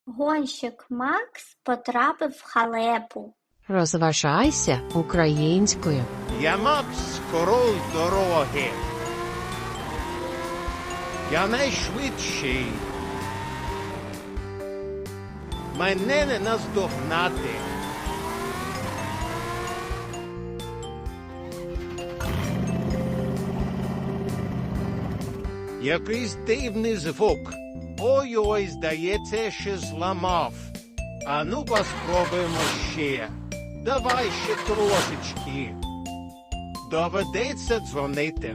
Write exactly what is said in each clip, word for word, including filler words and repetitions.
Гонщик Макс потрапив в халепу. Розважайся українською. Я Макс, король дороги. Я найшвидший. Мене не наздогнати. Якийсь дивний звук. Ой-ой, здається, що зламав. А ну-ка спробуємо ще. Давай ще трошечки. Доведеться дзвонити.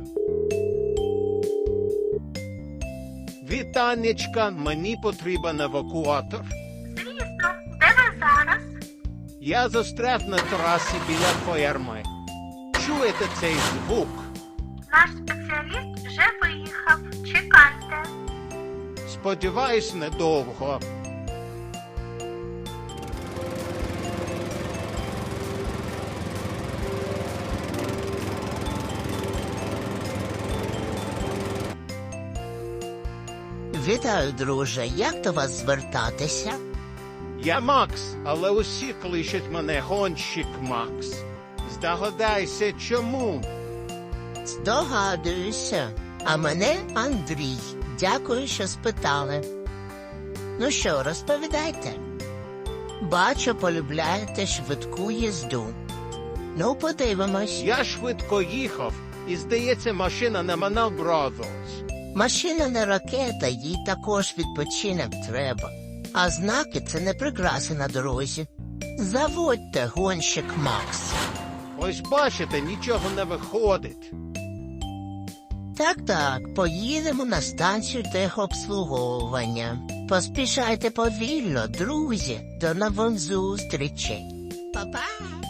Вітанечка, мені потрібен евакуатор. Звісно, де ви зараз? Я застряг на трасі біля ферми. Чуєте цей звук? Наш спеціаліст вже виїхав. Чекайте. Сподіваюсь, недовго. Вітаю, друже. Як до вас звертатися? Я Макс, але усі кличуть мене гонщик Макс. Здогадайся, чому? Здогадуюся. А мене Андрій. Дякую, що спитали. Ну що, розповідайте. Бачу, полюбляєте швидку їзду. Ну, подивимось. Я швидко їхав, і, здається, машина не Манал Brothers. Машина не ракета, їй також відпочинок треба. А знаки – це не прикраси на дорозі. Заводьте, гонщик Макс. Ось бачите, нічого не виходить. Так-так, поїдемо на станцію техобслуговування. Поспішайте повільно, друзі. До нових зустрічей. Па-па!